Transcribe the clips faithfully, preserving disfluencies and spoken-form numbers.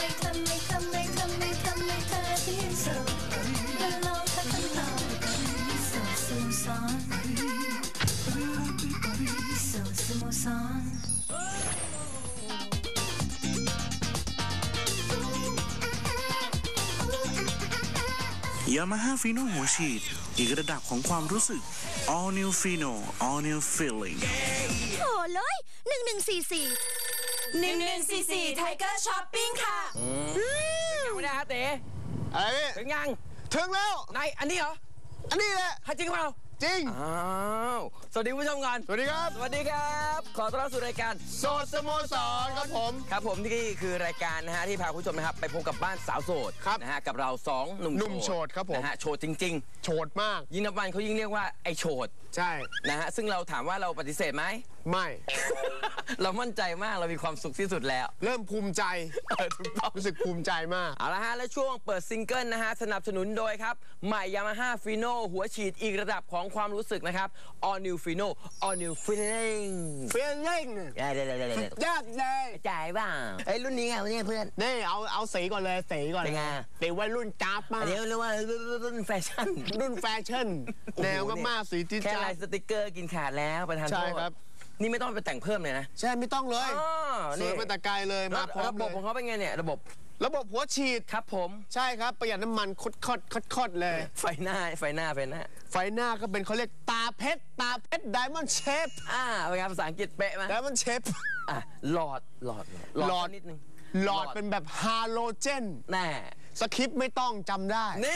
ไม่ทำไม่ทำไม่ทำไม่ทำไม่ทำที่สุดและลองทักกันต่อสุดสมสารสุดสมสารยามาฮ่าฟีโน่หัวฉีดอีกระดับของความรู้สึก All New Fino All New Feeling โอ้เลยหนึ่งหนึ่งสี่สี่หนึ่งหนึ่งสี่สี่ไทเกอร์ช้อปปิ้งค่ะยังไม่ได้ครับเต๋อะไรพี่ถึงยังถึงแล้วนายอันนี้เหรออันนี้แหละจริงเปล่าจริงอ้าวสวัสดีผู้ชมกันสวัสดีครับสวัสดีครับขอต้อนรับสู่รายการโสดสโมสรครับผมครับผมนี่คือรายการนะฮะที่พาผู้ชมนะครับไปพบกับบ้านสาวโสดนะฮะกับเราสองหนุ่มหนุ่มโสดครับผมนะฮะโสดจริงๆโสดมากยิ่งนับวันเขายิ่งเรียกว่าไอโสดใช่นะฮะซึ่งเราถามว่าเราปฏิเสธไหมไม่เรามั่นใจมากเรามีความสุขที่สุดแล้วเริ่มภูมิใจรู้สึกภูมิใจมากเอาละฮะและช่วงเปิดซิงเกิลนะฮะสนับสนุนโดยครับใหม่ Yamaha Fino หัวฉีดอีกระดับของความรู้สึกนะครับ All New Fino All New Feeling Feeling ได้ได้ได้ได้ยากเลยจ่ายบ้างไอ้รุ่นนี้ไงเนี่ยเพื่อนนี่เอาเอาสีก่อนเลยสีก่อนเป็นไงสีวัยรุ่นจ้าบมากเดี๋ยวเรียกว่ารุ่นแฟชั่นรุ่นแฟชั่นแนวก็มากสีที่แค่ลายสติกเกอร์กินขาดแล้วประธานโทษใช่ครับนี่ไม่ต้องไปแต่งเพิ่มเลยนะใช่ไม่ต้องเลยสวยมาแต่ไกลเลยมาพร้อมระบบของเขาเป็นไงเนี่ยระบบระบบหัวฉีดครับผมใช่ครับประหยัดน้ำมันคดคดคดคดเลยไฟหน้าไฟหน้าไฟหน้าไฟหน้าก็เป็นเขาเรียกตาเพชรตาเพชรไดมอนด์เชฟอ่าเป็นภาษาอังกฤษเป๊ะไหมไดมอนด์เชฟอ่ะหลอดหลอดหลอดนิดนึงหลอดเป็นแบบฮาโลเจนแน่สคริปต์ไม่ต้องจำได้นี่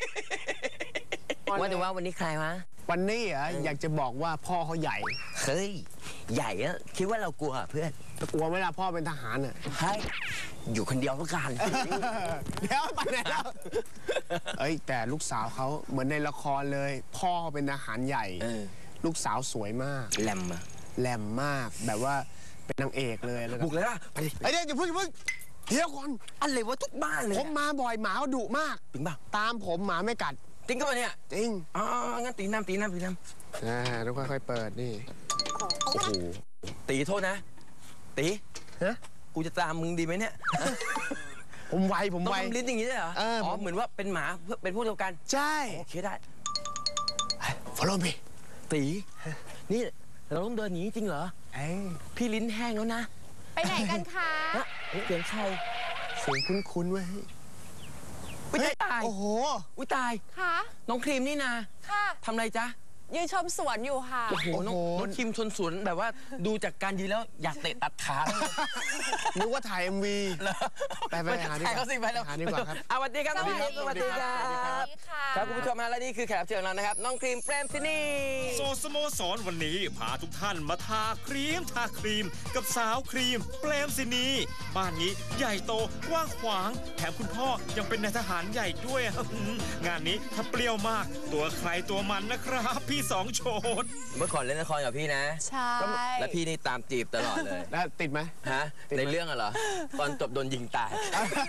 ว่าแต่ว่าวันนี้ใครวะวันนี้อ่ะอยากจะบอกว่าพ่อเขาใหญ่เฮ้ยใหญ่อะคิดว่าเรากลัวเพื่อนกลัวไหมล่ะพ่อเป็นทหารอ่ะเฮ้ยอยู่คนเดียวแล้วกันเดี๋ยวไปไหนแล้วเอ้ยแต่ลูกสาวเขาเหมือนในละครเลยพ่อเขาเป็นทหารใหญ่ลูกสาวสวยมากแหลมอะแหลมมากแบบว่าเป็นนางเอกเลยแล้วบุกเลยป่ะไปดิไอเดี๋ยวอย่าเพิ่งอย่าเพิ่งเดี๋ยวก่อนอะไรวะทุกบ้านเลยผมมาบ่อยหมาเขาดุมากจริงป่ะตามผมหมาไม่กัดจริงก็มาเนี่ยจริงอ๋องั้นตีน้ำตีน้ำตีน้ำอ่าต้องค่อยๆเปิดนี่โอ้โหตีโทษนะตีฮะกูจะตามมึงดีไหมเนี่ยผมไวผมไวต้องทำลิ้นอย่างนี้ได้เหรออ๋อเหมือนว่าเป็นหมาเป็นพวกเดียวกันใช่โอเคได้ follow me ตีนี่เราต้องเดินหนีจริงเหรอพี่ลิ้นแห้งแล้วนะไปไหนกันคะเสียงใครเสียงคุ้นๆเว้ยวิตายโอ้โหวิตายค่ะน้องครีมนี่นาค่ะทำอะไรจ๊ะยืนชมสวนอยู่ค่ะโอ้โหน้องครีมชนสวนแบบว่าดูจากการยืนแล้วอยากเตะตัดขานึกว่าถ่าย เอ็ม วี ไปไปหาดีกว่าไปแล้วหาดีกว่าครับสวัสดีครับสวัสดีครับสวัสดีครับครับคุณผู้ชมฮะและนี่คือแขกรับเชิญของเรานะครับน้องครีมเปรมศินีโซสโมสรวันนี้พาทุกท่านมาทาครีมทาครีมกับสาวครีมเปรมศินีบ้านนี้ใหญ่โตกว้างขวางแถมคุณพ่อยังเป็นนายทหารใหญ่ด้วยงานนี้ถ้าเปรี้ยวมากตัวใครตัวมันนะครับพี่สองโชดเมื่อก่อนเล่นละครกับพี่นะใช่แล้วพี่นี่ตามจีบตลอดเลยแล้วติดไหมฮะในเรื่องอะเหรอตอนจบโดนยิงตาย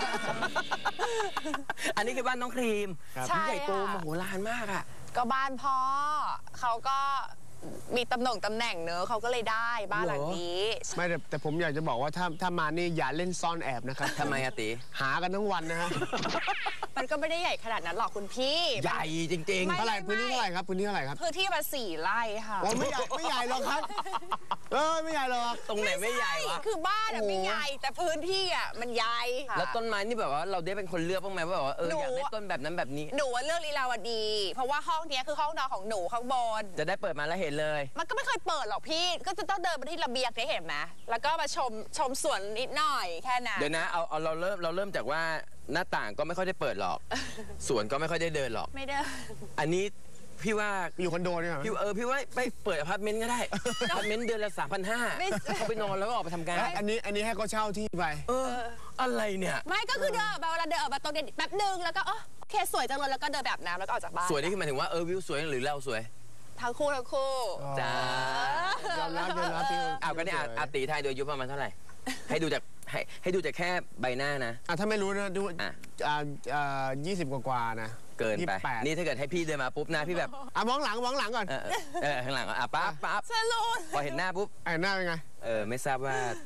อันนี้คือบ้านน้องครีมพี่ใหญ่โตมโหฬารมากอะก็บ้านพ่อเขาก็มีตำแหน่งตำแหน่งเนอะเขาก็เลยได้บ้านหลังนี้ไม่แต่แต่ผมอยากจะบอกว่าถ้าถ้ามานี่อย่าเล่นซ่อนแอบนะครับทำไมอะติหากันทั้งวันนะฮะมันก็ไม่ได้ใหญ่ขนาดนั้นหรอกคุณพี่ใหญ่จริงๆเท่าไหร่พื้นที่เท่าไหร่ครับพื้นที่เท่าไหร่ครับพื้นที่มาสี่ไร่ค่ะไม่ใหญ่ไม่ใหญ่หรอกครับเออไม่ใหญ่หรอกตรงไหนไม่ใหญ่วะคือบ้านอะไม่ใหญ่แต่พื้นที่อะมันใหญ่แล้วต้นไม้นี่แบบว่าเราได้เป็นคนเลือกบ้างไหมว่าแบบว่าเอออยากได้ต้นแบบนั้นแบบนี้หนูว่าเลือกลีลาวดีเพราะว่าห้องนี้คือห้องนอนของหนูข้างบนจะได้เปิดมาแล้วเห็นเลยมันก็ไม่เคยเปิดหรอกพี่ก็จะต้องเดินไปที่ระเบียงได้เห็นไหมแล้วก็มาชมชมสวนนิดหน่อยแค่นั้นเดี๋ยวนะเอาเอาเราเริ่มเราเริ่มจากว่าหน้าต่างก็ไม่ค่อยได้เปิดหรอกสวนก็ไม่ค่อยได้เดินหรอกไม่เดินอันนี้พี่ว่าอยู่คอนโดเนี่ยพี่เออพี่ว่าไปเปิดอพาร์ตเมนต์ก็ได้อพาร์ตเมนต์เดือนละสามพันห้าเขาไปนอนแล้วก็ออกไปทำงานอันนี้อันนี้ให้เขาเช่าที่ไปเอออะไรเนี่ยไม่ก็คือเดินแบบเวลาเดินออกมาตรงนี้แป๊บนึงแล้วก็โอเคสวยจังเลยแล้วก็เดินแบบน้ำแล้วก็ออกจากบ้านสวยนี่คือหมายถึงว่าเออวิวสวยหรือเราสวยทั้งคู่ทั้งคู่จ้ายอมรับยอมรับพี่เอากันเนี่ยอาตีไทยโดยอายุประมาณเท่าไหร่ให้ดูจากให้ให้ดูจากแค่ใบหน้านะอ่ะถ้าไม่รู้นะดูอ่าอ่ายี่สิบกว่าๆนะเกินไปนี่ถ้าเกิดให้พี่เดินมาปุ๊บนะพี่แบบอ่ะมองหลังมองหลังก่อนเออข้างหลังอ่ะปั๊บปั๊บสรุปพอเห็นหน้าปุ๊บเห็นหน้าเป็นไงเออไม่ทราบว่า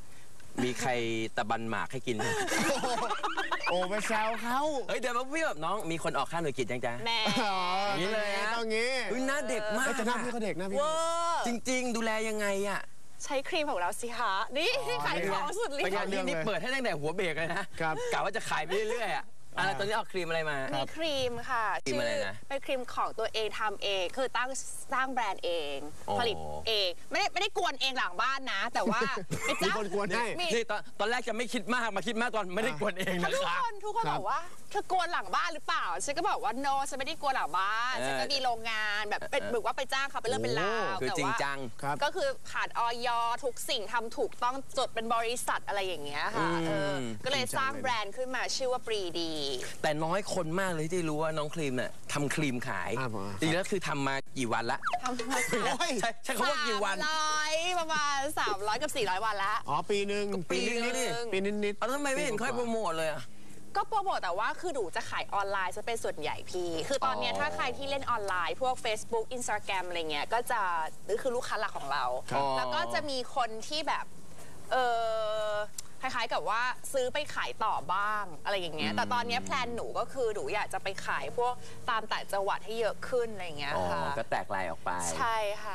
มีใครตะบันหมากให้กินไหมโอ้ไปแซวเขาเฮ้ยเดี๋ยวมาพี่แบบน้องมีคนออกค่าหน่วยกิจยังจ้าแม่อย่างนี้เลยฮะต้องงี้อุ๊ยหน้าเด็กมากเอ้ยแต่หน้าพี่เขาเด็กหน้าพี่เวอร์จริง ๆ ดูแลยังไงอ่ะใช้ครีมของเราสิคะนี่ขายของสุดฤทเป็นธิ์ไงนี่นี่เปิดให้ตั้งแต่หัวเบรกเลยนะครับ กะว่าจะขายไปเรื่อยๆอ่ะอะไรตอนนี้เอาครีมอะไรมามีครีมค่ะครีมอะไรนะเป็นครีมของตัวเองทำเองคือตั้งสร้างแบรนด์เองอ๋อผลิตเองไม่ได้ไม่ได้กวนเองหลังบ้านนะ แต่ว่าไปมีจ้างคนกวนให้มีนี่ตอนตอนแรกจะไม่คิดมากมาคิดมากตอนไม่ได้กวนเองนะทุกคครับ นทุกคนครับบอกว่าเธอกวนหลังบ้านหรือเปล่าฉันก็บอกว่า no ฉันไม่ได้กวนหลังบ้านเออฉันก็มีโรงงานแบบเป็นแบบว่าไปจ้างเขาเป็นเรื่องเป็นราวคือแต่จริงว่าจังครับก็คือผ่านออยทุกสิ่งทำถูกต้องจดเป็นบริษัทอะไรอย่างเงี้ยค่ะอืมเออก็เลยสร้างแบรนด์ขึ้นมาชื่อว่าปรีดีแต่น้อยคนมากเลยที่รู้ว่าน้องครีมเนี่ยทำครีมขายอ่าผมจริงๆแล้วคือทำมากี่วันละทำมาโอ้ยใช่ใช่คำว่ากี่วันสามร้อยประมาณสามร้อยกับสี่ร้อยวันละอ๋อปีหนึ่งปีนึงนี่นี่ปีนิดๆเอาแล้วทำไมไม่เห็นค่อยโปรโมทเลยอะก็โปรโมทแต่ว่าคือหนูจะขายออนไลน์จะเป็นส่วนใหญ่พี่ คือตอนเนี้ยอ๋อถ้าใครที่เล่นออนไลน์ พวก Facebook Instagram อะไรเงี้ยก็จะนี่คือลูกค้าหลักของเราครับแล้วก็จะมีคนที่แบบเออคล้ายๆกับว่าซื้อไปขายต่อบ้างอะไรอย่างเงี้ยแต่ตอนเนี้ยแพลนหนูก็คือหนูอยากจะไปขายพวกตามต่างจังหวัดให้เยอะขึ้นอะไรเงี้ยอ๋อค่ะก็แตกลายออกไปใช่ค่ะ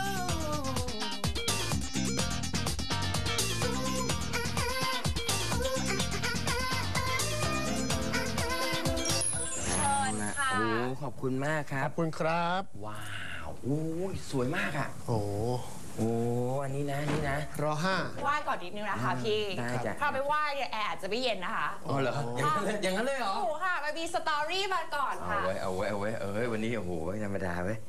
เชิญค่ะโอ้ขอบคุณมากครัขบอบคุณครับว้าวโอ้ยสวยมากอ่ะโอ้โอ้อันนี้นะนี่นะรอห้าไหว้ก่อนนิดนึงนะคะพี่ได้จ้ะถ้าไปไหว้เนี่ยแอร์อาจจะไม่เย็นนะคะอ๋อเหรออย่างนั้นเลยอย่างนั้นเลยเหรอโอ้โหค่ะไปมีสตอรี่มาก่อนเอาค่ะไว้เอาไว้เอาไว้เอ้ยวันนี้โอ้โหไม่ธรรมดาเว้ย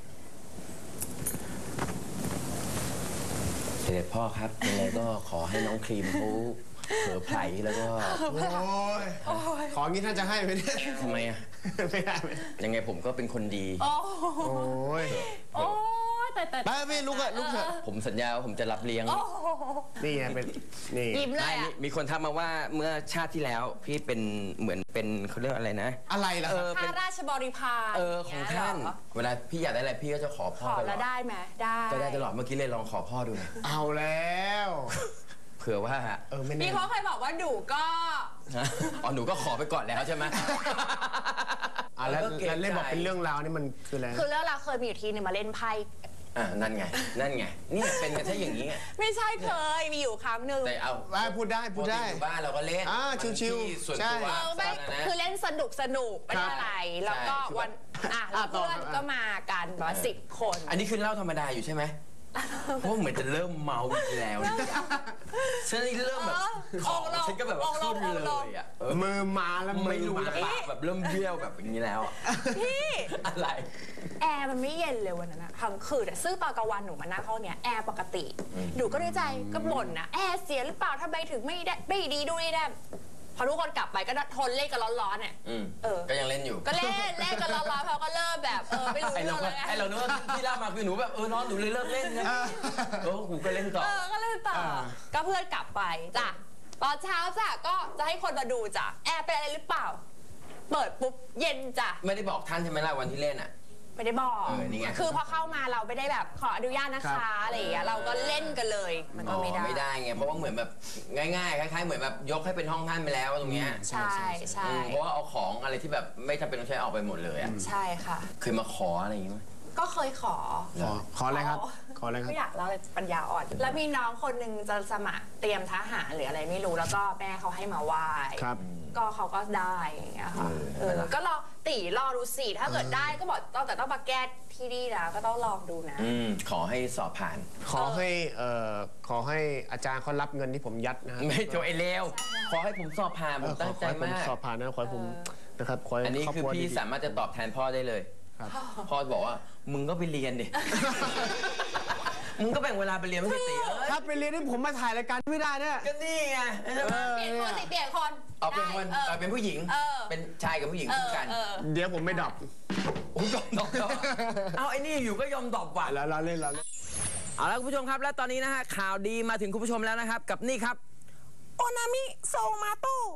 เสด็จพ่อครับยังไงก็ขอให้น้องครีมเขาเผลอไผลแล้วก็โอ้ยของี้ท่านจะให้ไหมเนี่ยทำไมอ่ะไม่ได้ไหมยังไงผมก็เป็นคนดีโอ้โอ้ยโอ้แต่แต่ไปพี่ลุกอะลุกเถอะผมสัญญาว่าผมจะรับเลี้ยงนี่ไงเป็นนี่ยิ้มเลไม่ยมีอะมีคนทักมาว่าเมื่อชาติที่แล้วพี่เป็นเหมือนเป็นเขาเรียกอะไรนะอะไรล่ะเอครับอเป็ข้าน ราชบริพารเออของท่านเยเหรอเวลาพี่อยากได้อะไรพี่ก็จะขอพ่ขออตลแล้อวดได้ไหมได้ก็ได้ตลอดเมื่อกี้เลยลองขอพ่อดูหน่อยเอาแล้วเผื่อว่าเออไม่แน่พี่เขาเคยบอกว่าหนูก็อ๋อหนูก็ขอไปก่อนแล้วใช่ไหมอ่ะแล้วก็กรงแล้วเล่นบอกใจเป็นเรื่องราวนี่มันคืออะไรคือเรื่องเราเคยมีอยู่ทีนึงมาเล่นไพ่อ่ะนั่นไงนั่นไงนี่เป็นกันใช่อย่างนี้ไงไม่ใช่เคยมีอยู่ครั้งหนึ่งแต่เอาได้พูดได้พูดได้ปกติอยู่บ้านเราก็เล่นอ่าชิวๆมันที่ส่วนใช่ตัวเออไม่นะคือเล่นสนุกสนุกไม่ได้อะไร แล้วก็ใช่วันอ่ะแล้วอ่ะต่อเพื่อนครับก็มากันประมาณสิบคนอันนี้คือเล่าธรรมดาอยู่ใช่ไหมเพราะเหมือนจะเริ่มเมาอีกแล้วฉันนี่เริ่มแบบของฉันก็แบบว่าขึ้นเลยอ่ะเออมือมาแล้วไม่รู้อนะปากแบบเริ่มเบี้ยวแบบอย่างนี้แล้วอะพี่อะไรแอร์มันไม่เย็นเลยวันนั้นอะทั้งคืนอะซึ่งตอนกลางวันหนูมานั่งห้องเนี้ยแอร์ปกติ หนูก็ในใจก็บ่นนะแอร์เสียหรือเปล่าทำไมถึงไม่ได้ไม่ดีดูนี่ได้พอทุกคนกลับไปก็ทนเล่นกันร้อนๆเนี่ยอืมเออก็ยังเล่นอยู่ก็เล่นเล่นกันร้อนๆเขาก็เริ่มแบบเออไม่รู้ไอเรื่เราองก็เลยไอเราเนื้อที่เล่ามาคือหนูแบบเออนอนหนูเลยเลิกเล่นนะเออกูก็เล่นต่อเออก็เล่นต่อก็เพื่อนกลับไปจ้ะตอนเช้าจ้ะก็จะให้คนมาดูจ้ะแอร์เป็นอะไรหรือเปล่า เปิดปุ๊บเย็นจ้ะไม่ได้บอกท่านใช่ไหมล่ะวันที่เล่นอ่ะไม่ได้บอกเออนี่ไงคือพอเข้ามาเราไม่ได้แบบขออนุญาตนะคะอะไรอย่างเงี้ยเราก็เล่นกันเลย มันก็ไม่ได้อ๋อไม่ได้ไงเพราะว่าเหมือนแบบง่ายๆคล้ายๆเหมือนแบบยกให้เป็นห้องท่านไปแล้วตรงเนี้ยใช่ใช่อืมเพราะว่าเอาของอะไรที่แบบไม่จำเป็นต้องใช้ออกไปหมดเลยอ่ะใช่ค่ะเคยมาขออะไรอย่างงี้ไหมก็เคยขอขอขออะไรครับ ขออะไรครับไม่อยากเล่าเลยปัญญาอ่อน แล้วมีน้องคนหนึ่งจะสมัครเตรียมทหารหรืออะไรไม่รู้แล้วก็แม่เขาให้มาไหว้ครับก็เขาก็ได้อย่างเงี้ยค่ะเออก็รอตีรอดูสิถ้าเกิดได้ก็บอกต้องแต่ต้องมาแก้ที่นี่นะก็ต้องลองดูนะอืมขอให้สอบผ่านขอให้เอ่อขอให้อาจารย์เขารับเงินที่ผมยัดนะฮะไม่โจไอเลวขอให้ผมสอบผ่านผเอมอขตั้อง ขใจอให้ผมมากสอบผ่านนะขอให้ผมนะครับขอให้อันนี้รบคือรัวพี่ดีๆสามารถจะตอบแทนพ่อได้เลยครับพ่อบอกว่ามึงก็ไปเรียนดิ มึงก็แบ่งเวลาไปเรียนไม่ใช่ตีเอ้ยถ้าไปเรียนที่ผมมาถ่ายรายการไม่ได้เนี่ยก็นี่ไงใช่ไหมเปลี่ยนคนสิเปลี่ยนคนเอาเป็นคนได้เอาเป็นผู้หญิงเออเป็นชายกับผู้หญิงเอคู่อกันเออเดี๋ยวผมไม่ดรอปโอ้ยยอมดอกดอกเอาไอ้นี่อยู่ก็ยอมดอกว่ะแล้วเราเล่นเราเล่นเอาละคุณผู้ชมครับและตอนนี้นะฮะข่าวดีมาถึงคุณผู้ชมแล้วนะครับ กับนี่ครับโอนามิโซมาโต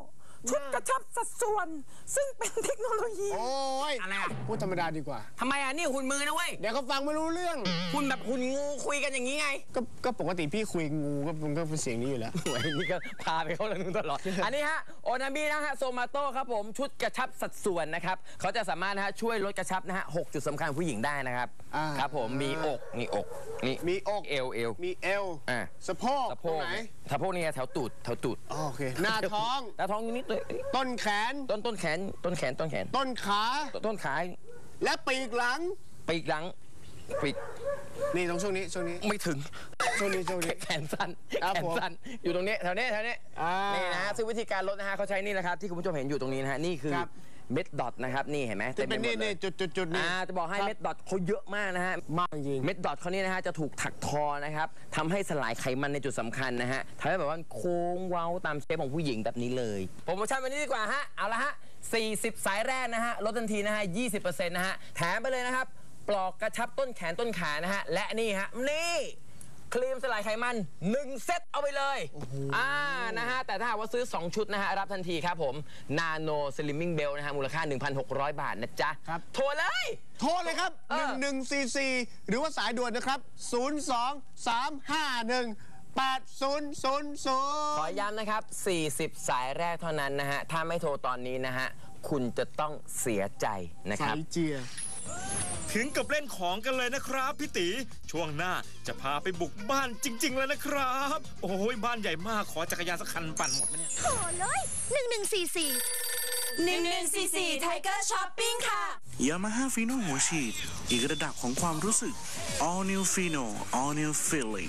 ชุดกระชับสัดส่วน ซึ่งเป็นเทคโนโลยีโอ้ยอะไรอะพูดธรรมดาดีกว่าทำไมอ่ะนี่หุ่นมือนะเว้ยเดี๋ยวเขาฟังไม่รู้เรื่องหุ่นแบบหุ่นงูคุยกันอย่างนี้ไงก็ก็ปกติพี่คุยงูก็มันก็เป็นเสียงนี้อยู่แล้วสวยนี่ก็พาไปเข้าเรื่องนู้นตลอด อันนี้ฮะโอนามินะฮะโซมาโต้ครับผมชุดกระชับสัดส่วนนะครับเขาจะสามารถนะฮะช่วยลดกระชับนะฮะหกจุดสำคัญของผู้หญิงได้นะครับอ่าครับผมมีอกนี่อกนี่มีอกเอวเอวมีเอวอ่าสะโพกสะโพตรงกไหนสะโพกนี่ไงแถวตูดแถวตูดอ๋อโอเค หน้าท้องหน้าท้องนิดๆเลยต้นแขนต้นต้นแขนต้นแขนต้นแขนต้นขาต้นขาและปีกหลังปีกหลังปีกนี่ตรงช่วงนี้ช่วงนี้ไม่ถึงช่วงนี้ช่วงนี้แขนสั้นครับแขนผมสั้นอยู่ตรงนี้แถวนี้แถวนี้อ่านี่นี่นะฮะซึ่งวิธีการลดนะฮะเขาใช้นี่แหละครับที่คุณผู้ชมเห็นอยู่ตรงนี้นะฮะนี่คือครับเม็ดดอทนะครับนี่เห็นไหมที่เป็นต็มไปหมดลนี่นี่ยจุดจุดจุดนี่อ่าจะบอกให้ครับเม็ดดอทเขาเยอะมากนะฮะมากจริงเม็ดดอทเขานี่นะฮะจะถูกถักทอนะครับทำให้สลายไขมันในจุดสำคัญนะฮะทำให้แบบว่าโค้งเว้าตามเชฟของผู้หญิงแบบนี้เลยโปรโมชั่นวันนี้ดีกว่าฮะเอาละฮะสี่สิบสายแรกนะฮะลดทันทีนะฮะยี่สิบเปอร์เซ็นต์นะฮะแถมไปเลยนะครับปลอกกระชับต้นแขนต้นขานะฮะและนี่ฮะนี่ครีมสลายไขมันหนึ่งเซตเอาไปเลยอ่านะฮะแต่ถ้าหากว่าซื้อสองชุดนะฮะรับทันทีครับผมนาโนสลิมมิ่งเบลนะฮะมูลค่า หนึ่งพันหกร้อย บาทนะจ๊ะครับโทรเลยโทรเลยครับเออหนึ่งหนึ่งสี่สี่หรือว่าสายด่วนนะครับ ศูนย์ สอง สาม ห้า หนึ่ง แปด ศูนย์ ศูนย์ ศูขอนย์ย้ำนะครับสี่สิบสายแรกเท่านั้นนะฮะ ถ้าไม่โทรตอนนี้นะฮะ คุณจะต้องเสียใจนะคสารับยเจียถึงกับเล่นของกันเลยนะครับพี่ตีช่วงหน้าจะพาไปบุกบ้านจริง ๆ แล้วนะครับ โอ้ยบ้านใหญ่มากขอจักรยานสักคันปั่นหมดไหมเนี่ยโถ่เลยหนึ่งหนึ่งสี่สี่หนึ่งหนึ่งสี่สี่ไทเกอร์ช้อปปิ้งค่ะยามาฮ่าฟีโน่หัวฉีดอีกระดับของความรู้สึก All New Fino All New Feeling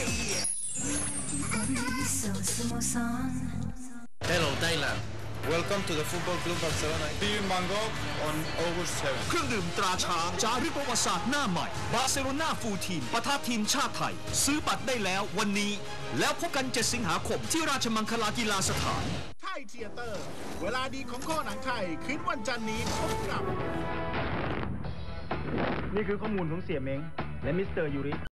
so smooth on Hello Thailand Welcome to the Football Club Barcelona Team Bangkok on August seventh เครื่องดื่มตราช้างจารึกประวัติศาสตร์หน้าใหม่ บาร์เซโลนาฟูลทีมปะทะทีมชาติไทย ซื้อบัตรได้แล้ววันนี้ แล้วพบกันเจ็ดสิงหาคมที่ราชมังคลากีฬาสถานไทยเธียเตอร์ เวลาดีของข้อหนังไทยคืนวันจันทร์นี้พบกับนี่คือข้อมูลของเสี่ยเม้งและมิสเตอร์ยูริ